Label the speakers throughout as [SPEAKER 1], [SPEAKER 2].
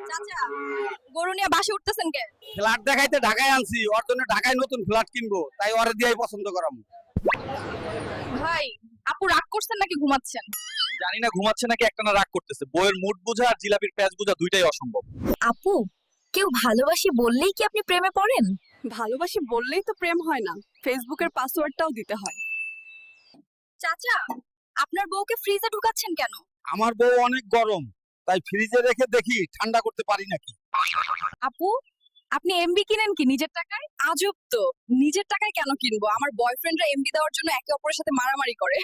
[SPEAKER 1] চাচা গরু নিয়ে বাসে উঠতেছেন কে?
[SPEAKER 2] ফ্ল্যাট দেখাইতে ঢাকায় আনছি, ওর জন্য ঢাকায় নতুন ফ্ল্যাট কিনবো, তাই ওরে দিয়েই পছন্দ করাম।
[SPEAKER 1] ভাই আপু রাগ করছেন নাকি ঘুমাচ্ছেন?
[SPEAKER 2] জানি না ঘুমাচ্ছে নাকি একটানা রাগ করতেছে। বইয়ের মুড বোঝা আর জিলাপির প্যাচ বোঝা দুইটাই অসম্ভব।
[SPEAKER 1] আপু কেউ ভালোবাসি বললেই কি আপনি প্রেমে পড়েন?
[SPEAKER 3] ভালোবাসি বললেই তো প্রেম হয় না, ফেসবুকের পাসওয়ার্ডটাও দিতে হয়।
[SPEAKER 1] চাচা আপনার বউকে ফ্রিজে ঢুকাচ্ছেন কেন?
[SPEAKER 2] আমার বউ অনেক গরম, তাই ফ্রিজে রেখে দেখি ঠান্ডা করতে পারি নাকি।
[SPEAKER 1] আপু আপনি এমবি কিনেন কি নিজের টাকায়? আজব তো, নিজের টাকায় কেন কিনবো? আমার বয়ফ্রেন্ডরা এমবি দেওয়ার জন্য একে অপরের সাথে মারামারি করে।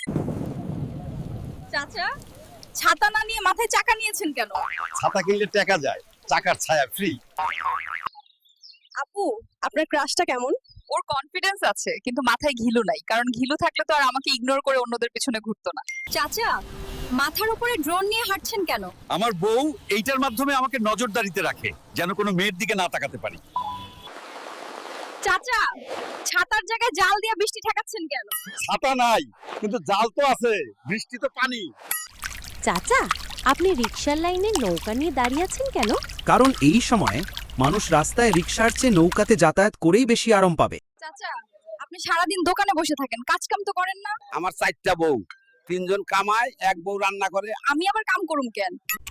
[SPEAKER 1] চাচা ছাতা না নিয়ে মাথায় চাকা নিয়েছেন কেন?
[SPEAKER 2] ছাতা কিনলে টাকা যায়, চাকার ছায়া ফ্রি।
[SPEAKER 1] আপু
[SPEAKER 3] আপনার ক্রাশটা কেমন?
[SPEAKER 1] ওর কনফিডেন্স আছে কিন্তু মাথায় ঘিলু নাই, কারণ ঘিলু থাকলে তো আর আমাকে ইগনোর করে অন্যদের পিছনে ঘুরতো না। চাচা মাথার উপরে ড্রোন নিয়ে হাঁটছেন কেন?
[SPEAKER 2] আমার বউ এইটার মাধ্যমে আমাকে নজরদারিতে রাখে, যেন কোনো মেয়ের দিকে না তাকাতে পারি।
[SPEAKER 1] চাচা ছাতার জায়গায় জাল দিয়ে বৃষ্টি ঠেকাচ্ছেন কেন?
[SPEAKER 2] ছাতা নাই কিন্তু জাল তো আছে, বৃষ্টি তো পানি।
[SPEAKER 4] চাচা আপনি রিকশার লাইনে নৌকা নিয়ে দাঁড়িয়ে আছেন কেন?
[SPEAKER 5] কারণ এই সময় মানুষ রাস্তায় রিকশার চেয়ে নৌকাতে যাতায়াত করেই বেশি আরাম পাবে।
[SPEAKER 1] চাচা আপনি সারাদিন দোকানে বসে থাকেন, কাজ কাম তো করেন না?
[SPEAKER 2] আমার 4টা বউ, 3জন কামায়, এক বউ রান্না করে।
[SPEAKER 1] আমি আবার কাম করুম কেন?